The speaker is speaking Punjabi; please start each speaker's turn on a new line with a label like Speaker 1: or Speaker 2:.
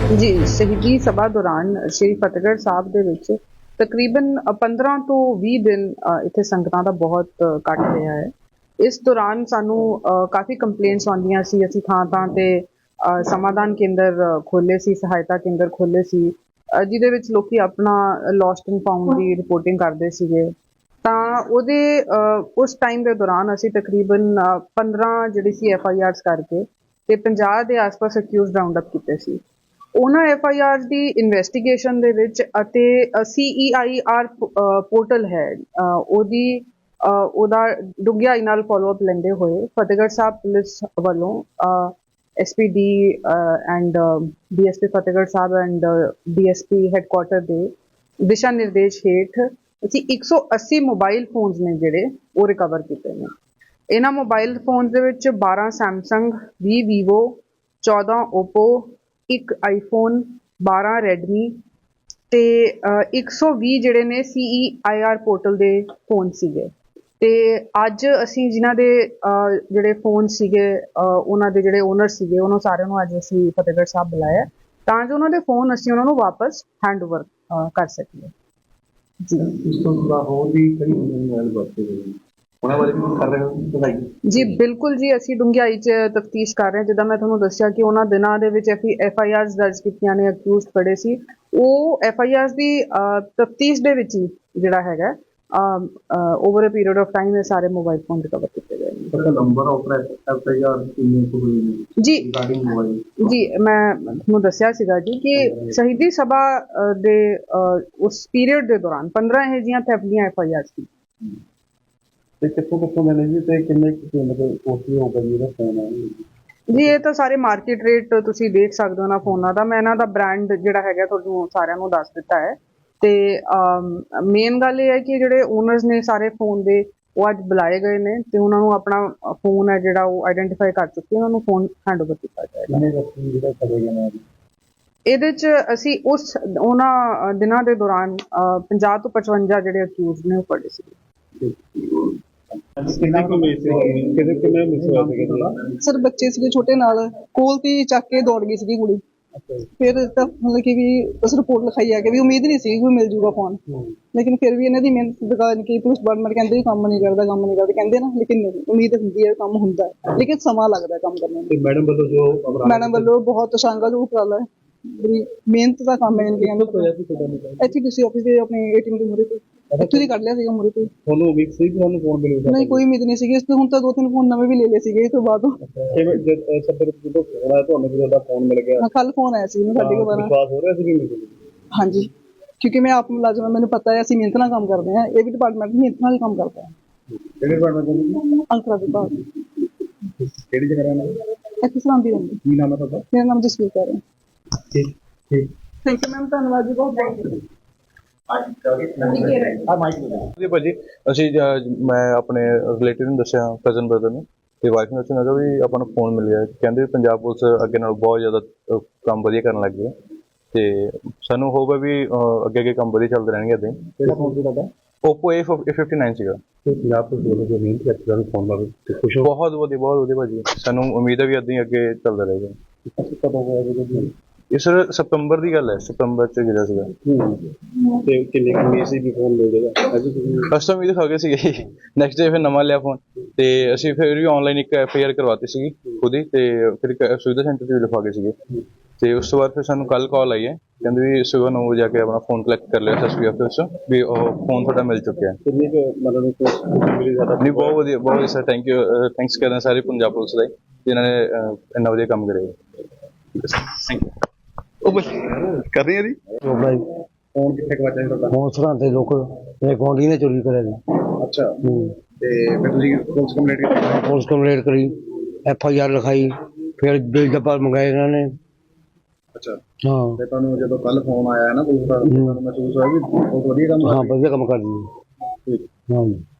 Speaker 1: ਜੀ ਸ਼ਹੀਦੀ ਸਭਾ ਦੌਰਾਨ ਸ਼੍ਰੀ ਫਤਿਹਗੜ੍ਹ ਸਾਹਿਬ ਦੇ ਵਿੱਚ ਤਕਰੀਬਨ 15 ਤੋਂ 20 ਦਿਨ ਇੱਥੇ ਸੰਗਤਾਂ ਦਾ ਬਹੁਤ ਇਕੱਠ ਰਿਹਾ ਹੈ। ਇਸ ਦੌਰਾਨ ਸਾਨੂੰ ਕਾਫੀ ਕੰਪਲੇਂਟਸ ਆਉਂਦੀਆਂ ਸੀ। ਅਸੀਂ ਥਾਂ ਤੇ ਸਮਾਧਾਨ ਕੇਂਦਰ ਖੋਲ੍ਹੇ ਸੀ, ਸਹਾਇਤਾ ਕੇਂਦਰ ਖੋਲ੍ਹੇ ਸੀ, ਜਿਹਦੇ ਵਿੱਚ ਲੋਕੀ ਆਪਣਾ ਲੋਸਟ ਐਂਡ ਫਾਊਂਡ ਦੀ ਰਿਪੋਰਟਿੰਗ ਕਰਦੇ ਸੀਗੇ। ਤਾਂ ਉਸ ਟਾਈਮ ਦੇ ਦੌਰਾਨ ਅਸੀਂ ਤਕਰੀਬਨ 15 ਜਿਹੜੀ ਸੀ FIRs ਕਰਕੇ ਤੇ 50 ਦੇ ਆਸ-ਪਾਸ ਅਕਿਊਜ਼ਡ ਰਾਉਂਡ ਅਪ ਕੀਤੇ ਸੀ। ਉਹਨਾਂ FIRs ਦੀ ਇਨਵੈਸਟੀਗੇਸ਼ਨ ਦੇ ਵਿੱਚ ਅਤੇ CEIR ਪੋਰਟਲ ਹੈ ਉਹਦਾ ਡੂੰਘਾਈ ਨਾਲ ਫੋਲੋਅਪ ਲੈਂਦੇ ਹੋਏ ਫਤਿਹਗੜ੍ਹ ਸਾਹਿਬ ਪੁਲਿਸ ਵੱਲੋਂ SPD and DSP Fatehgarh Sahib and DSP headquarter ਦੇ ਦਿਸ਼ਾ ਨਿਰਦੇਸ਼ ਹੇਠ ਅਸੀਂ 180 ਮੋਬਾਈਲ ਫੋਨਸ ਨੇ ਜਿਹੜੇ ਉਹ ਰਿਕਵਰ ਕੀਤੇ ਨੇ। ਇਹਨਾਂ ਮੋਬਾਈਲ ਫੋਨਸ ਦੇ ਵਿੱਚ 12 Samsung, 20 Vivo, 14 Oppo, 1 iPhone, 12 Redmi ਤੇ 120 ਜਿਹੜੇ ਨੇ CEIR ਪੋਰਟਲ ਦੇ ਫੋਨ ਸੀਗੇ। ਤੇ ਅੱਜ ਅਸੀਂ ਜਿਨ੍ਹਾਂ ਦੇ ਜਿਹੜੇ ਫੋਨ ਸੀਗੇ ਉਹਨਾਂ ਦੇ ਜਿਹੜੇ ਓਨਰ ਸੀਗੇ ਉਹਨਾਂ ਸਾਰਿਆਂ ਨੂੰ ਅੱਜ ਅਸੀਂ ਫਤਿਹਗੜ੍ਹ ਸਾਹਿਬ ਬੁਲਾਇਆ ਤਾਂ ਜੋ ਉਹਨਾਂ ਦੇ ਫੋਨ ਅਸੀਂ ਉਹਨਾਂ ਨੂੰ ਵਾਪਸ ਹੈਂਡ ਓਵਰ ਕਰ ਸਕੀਏ। ਜੀ ਜੀ ਬਿਲਕੁਲ ਜੀ, ਅਸੀਂ ਡੂੰਘਾਈ 'ਚ ਤਫਤੀਸ਼ ਕਰ ਰਹੇ ਹਾਂ। ਜਿੱਦਾਂ ਮੈਂ ਤੁਹਾਨੂੰ ਦੱਸਿਆ ਕਿ ਉਹਨਾਂ ਦਿਨਾਂ ਦੇ ਵਿੱਚ FIRs ਦਰਜ ਕੀਤੀਆਂ ਨੇ, ਅਕਿਊਜ਼ਡ ਫੜੇ ਸੀ, ਉਹ FIRs ਦੀ ਤਫਤੀਸ਼ ਦੇ ਵਿੱਚ ਹੀ ਜਿਹੜਾ ਹੈਗਾ over a period of time ਇਹ ਸਾਰੇ ਮੋਬਾਈਲ ਫੋਨ ਰਿਕਵਰ ਕੀਤੇ ਗਏ ਨੇ। ਜੀ ਮੈਂ ਤੁਹਾਨੂੰ ਦੱਸਿਆ ਸੀਗਾ ਜੀ ਕਿ ਸ਼ਹੀਦੀ ਸਭਾ ਦੇ ਉਸ ਪੀਰੀਅਡ ਦੇ ਦੌਰਾਨ 15 ਇਹੋ ਜਿਹੀਆਂ ਥੈਫਟ ਦੀਆਂ FIRs ਸੀ।
Speaker 2: ਕਿੱਥੋਂ ਮਿਲੇ ਜੀ ਤੇ ਕਿੰਨੇ ਮਤਲਬ ਕੋਸਟਲੀ ਹੋਊਗਾ ਜੀ ਇਹਦਾ ਫੋਨ ਹੈ
Speaker 1: ਜੀ? ਇਹ ਤਾਂ ਸਾਰੇ ਮਾਰਕੀਟ ਰੇਟ ਤੁਸੀਂ ਦੇਖ ਸਕਦੇ ਹੋ ਨਾ ਫੋਨਾਂ ਦਾ। ਮੈਂ ਇਹਨਾਂ ਦਾ ਬ੍ਰਾਂਡ ਜਿਹੜਾ ਹੈਗਾ ਤੁਹਾਨੂੰ ਸਾਰਿਆਂ ਨੂੰ ਦੱਸ ਦਿੱਤਾ ਹੈ। ਤੇ ਮੇਨ ਗੱਲ ਇਹ ਹੈ ਕਿ ਜਿਹੜੇ ਓਨਰਸ ਨੇ ਸਾਰੇ ਫੋਨ ਦੇ ਉਹ ਅੱਜ ਬੁਲਾਏ ਗਏ ਨੇ ਤੇ ਉਹਨਾਂ ਨੂੰ ਆਪਣਾ ਫੋਨ ਹੈ ਜਿਹੜਾ ਉਹ ਆਈਡੈਂਟੀਫਾਈ ਕਰ ਚੁੱਕੇ, ਉਹਨਾਂ ਨੂੰ ਫੋਨ ਹੈਂਡ ਓਵਰ ਕੀਤਾ ਜਾਏਗਾ। ਇਹਦੇ 'ਚ ਅਸੀਂ ਉਹਨਾਂ ਦਿਨਾਂ ਦੇ ਦੌਰਾਨ 50 ਤੋਂ 55 ਜਿਹੜੇ ਅਕਿਊਜ਼ਡ ਨੇ ਉਹ ਫੜੇ ਸੀ।
Speaker 3: ਸਰ ਬੱਚੇ ਸੀਗੇ ਛੋਟੇ ਨਾਲ, ਕੋਲ ਤੇ ਚੱਕ ਕੇ ਦੌੜ ਗਈ ਸੀਗੀ ਕੁੜੀ। ਫਿਰ ਤਾਂ ਮਤਲਬ ਕਿ ਵੀ ਉਸ ਰਿਪੋਰਟ ਲਿਖਾਈ ਆ ਕਿ ਵੀ ਉਮੀਦ ਨਹੀਂ ਸੀ ਕੋਈ ਮਿਲ ਜੂਗਾ ਫੋਨ, ਲੇਕਿਨ ਫਿਰ ਵੀ ਇਹਨਾਂ ਦੀ ਮਿਹਨਤ ਦਿਖਾ ਕਿ ਪੁਲਿਸ ਡਿਪਾਰਟਮੈਂਟ ਕਹਿੰਦੇ ਕੰਮ ਨਹੀਂ ਕਰਦਾ ਕਹਿੰਦੇ ਨਾ, ਲੇਕਿਨ ਨਹੀਂ, ਉਮੀਦ ਹੁੰਦੀ ਹੈ ਕੰਮ ਹੁੰਦਾ, ਲੇਕਿਨ ਸਮਾਂ ਲੱਗਦਾ ਕੰਮ ਕਰਨ ਨੂੰ। ਮੈਡਮ ਵੱਲੋਂ ਬਹੁਤ ਸ਼ਾਨਦਾਰ ਉਪਰਾਲਾ ਹੈ, ਬੜੀ ਮਿਹਨਤ ਦਾ ਕੰਮ ਹੈ। ਇੱਥੇ ਕਿਸੇ ਆਫਿਸ ਦੇ ਆਪਣੇ ATM ਦੇ ਮੂਹਰੇ ਤੇ ਇੱਥੋਂ ਦੀ ਕੱਢ ਲਿਆ ਸੀਗਾ ਮੂਹਰੇ ਤੇ।
Speaker 2: ਤੁਹਾਨੂੰ ਉਮੀਦ ਸੀ ਕਿ ਤੁਹਾਨੂੰ ਫੋਨ ਮਿਲੂਗਾ?
Speaker 3: ਨਹੀਂ, ਕੋਈ ਉਮੀਦ ਨਹੀਂ ਸੀਗੀ ਇਸ ਤੋਂ। ਹੁਣ ਤਾਂ 2-3 ਫੋਨ ਨਵੇਂ ਵੀ ਲੈ ਲਏ ਸੀਗੇ ਇਸ ਤੋਂ ਬਾਅਦ।
Speaker 2: ਤੁਹਾਨੂੰ ਫੋਨ ਮਿਲ ਗਿਆ?
Speaker 3: ਹਾਂ, ਕੱਲ ਫੋਨ ਆਇਆ ਸੀ ਮੈਨੂੰ 12:30।
Speaker 2: ਵਿਸ਼ਵਾਸ ਹੋ ਰਿਹਾ ਸੀ ਕਿ ਮਿਲ?
Speaker 3: ਹਾਂਜੀ, ਕਿਉਂਕਿ ਮੈਂ ਆਪ ਮੁਲਾਜ਼ਮ, ਮੈਨੂੰ ਪਤਾ ਹੈ ਅਸੀਂ ਮਿਹਨਤ ਨਾਲ ਕੰਮ ਕਰਦੇ ਹਾਂ। ਇਹ ਵੀ ਡਿਪਾਰਟਮੈਂਟ ਮਿਹਨਤ ਨਾਲ ਹੀ ਕੰਮ ਕਰਦਾ ਹੈ।
Speaker 2: ਕਿਹੜੇ ਡਿਪਾਰਟਮੈਂਟ?
Speaker 3: ਅੰਕੜਾ ਵਿਭਾਗ।
Speaker 2: ਕਿਹੜੀ ਜਗ੍ਹਾ ਰਹਿੰਦੇ?
Speaker 3: ਇੱਥੇ ਸਲਾਮਦੀ ਰਹਿੰਦੀ।
Speaker 2: ਕੀ ਨਾਮ ਹੈ ਤੁਹਾਡਾ?
Speaker 3: ਮੇਰਾ ਨਾਮ ਜਸਵੀਰ ਕੌਰ ਹੈ।
Speaker 2: ਠੀਕ ਠੀਕ,
Speaker 3: ਥੈਂਕ ਯੂ ਮੈਮ, ਧੰਨਵਾਦ ਜੀ ਬਹੁਤ ਬਹੁਤ।
Speaker 4: ਜੀ ਭਾਜੀ, ਅਸੀਂ ਮੈਂ ਆਪਣੇ ਰਿਲੇਟਿਵ ਨੂੰ ਦੱਸਿਆ, ਕਜ਼ਨ ਬ੍ਰਦਰ ਨੂੰ ਤੇ ਵਾਈਫ ਨੂੰ ਦੱਸਿਆ, ਮੈਂ ਕਿਹਾ ਵੀ ਆਪਾਂ ਨੂੰ ਫੋਨ ਮਿਲ ਗਿਆ। ਕਹਿੰਦੇ ਪੰਜਾਬ ਪੁਲਿਸ ਅੱਗੇ ਨਾਲ ਬਹੁਤ ਜ਼ਿਆਦਾ ਕੰਮ ਵਧੀਆ ਕਰਨ ਲੱਗ ਗਈ ਹੈ ਤੇ ਸਾਨੂੰ ਹੋਪ ਹੈ ਵੀ ਅੱਗੇ ਕੰਮ ਵਧੀਆ ਚੱਲਦੇ ਰਹਿਣਗੇ ਇੱਦਾਂ ਹੀ।
Speaker 2: ਕਿਹੜਾ ਫੋਨ ਸੀ ਤੁਹਾਡਾ?
Speaker 4: Oppo A59 ਸੀਗਾ।
Speaker 2: ਪੰਜਾਬ ਪੁਲਿਸ ਵੱਲੋਂ ਜੋ ਮਿਹਨਤ ਕੀਤੀ ਤੁਹਾਨੂੰ ਫੋਨ ਦਾ ਤੇ ਖੁਸ਼ ਹੋ?
Speaker 4: ਬਹੁਤ ਵਧੀਆ ਭਾਜੀ, ਸਾਨੂੰ ਉਮੀਦ ਹੈ ਵੀ ਇੱਦਾਂ ਹੀ ਅੱਗੇ ਚੱਲਦਾ ਰਹੇਗਾ।
Speaker 2: ਕਦੋਂ ਹੋਇਆ
Speaker 4: ਇਹ ਸਰ ਸਤੰਬਰ ਦੀ ਗੱਲ ਹੈ, ਸਤੰਬਰ 'ਚ ਗਿਰਿਆ ਸੀਗਾ।
Speaker 2: ਤੇ ਕਿੰਨੇ ਉਮੀਦ ਸੀ ਵੀ ਫੋਨ ਮਿਲ ਜਾਏਗਾ?
Speaker 4: ਫਸਟ ਉਮੀਦ ਖਾ ਗਏ ਸੀਗੇ। ਨੈਕਸਟ ਡੇ ਫਿਰ ਨਵਾਂ ਲਿਆ ਫੋਨ ਤੇ ਅਸੀਂ ਫਿਰ ਵੀ ਆਨਲਾਈਨ ਇੱਕ FIR ਕਰਵਾਤੀ ਸੀਗੀ ਖੁਦ ਹੀ ਤੇ ਫਿਰ ਇੱਕ ਸੁਵਿਧਾ ਸੈਂਟਰ 'ਚ ਵੀ ਲਿਖਵਾ ਗਏ ਸੀਗੇ। ਤੇ ਉਸ ਤੋਂ ਬਾਅਦ ਫਿਰ ਸਾਨੂੰ ਕੱਲ ਕਾਲ ਆਈ ਹੈ, ਕਹਿੰਦੇ ਵੀ ਸਵੇਰ 9 ਵਜੇ ਜਾ ਕੇ ਆਪਣਾ ਫੋਨ ਕਲੈਕਟ ਕਰ ਲਿਆ SSP ਆਫਿਸ 'ਚ ਵੀ ਉਹ ਫੋਨ ਤੁਹਾਡਾ ਮਿਲ ਚੁੱਕਿਆ।
Speaker 2: ਕਿੰਨੀ ਕੁ ਮਤਲਬ
Speaker 4: ਨਹੀਂ, ਬਹੁਤ ਵਧੀਆ ਸਰ, ਥੈਂਕ ਯੂ, ਥੈਂਕਸ ਕਰਦੇ ਸਾਰੇ ਪੰਜਾਬ ਪੁਲਿਸ ਦਾ ਜਿਨ੍ਹਾਂ ਨੇ ਇੰਨਾ ਵਧੀਆ ਕੰਮ ਕਰਿਆ। Thank you. ਕਰ ਰਹੀ ਹੈ ਜੀ
Speaker 2: ਫੋਨ ਕਿੱਥੇ ਗਵਾਚਿਆ ਤੁਹਾਡਾ?
Speaker 5: ਫੋਨ ਸਰਾਂਦੇ ਲੋਕ ਮੇਰੇ ਗੁਆਂਢੀ ਨੇ ਚੋਰੀ ਕਰਿਆ ਸੀ।
Speaker 2: ਅੱਛਾ, ਤੇ ਫਿਰ ਤੁਸੀਂ ਪੁਲਿਸ ਕੰਪਲੇਂਟ ਕੀਤੀ?
Speaker 5: ਪੁਲਿਸ ਕੰਪਲੇਂਟ ਕਰੀ, FIR ਲਿਖਾਈ, ਫਿਰ ਬਿਲ ਡੱਬਾ ਮੰਗਾਏ ਇਹਨਾਂ ਨੇ।
Speaker 2: ਅੱਛਾ
Speaker 5: ਹਾਂ,
Speaker 2: ਤੇ ਤੁਹਾਨੂੰ ਜਦੋਂ ਕੱਲ ਫੋਨ ਆਇਆ ਨਾ ਪੁਲਿਸ ਦਾ, ਤੁਹਾਨੂੰ ਮਹਿਸੂਸ ਹੋਇਆ ਵੀ ਬਹੁਤ ਵਧੀਆ ਕੰਮ?
Speaker 5: ਹਾਂ, ਵਧੀਆ ਕੰਮ ਕਰਦੀ ਹੈ।
Speaker 2: ਠੀਕ।
Speaker 5: ਹਾਂਜੀ।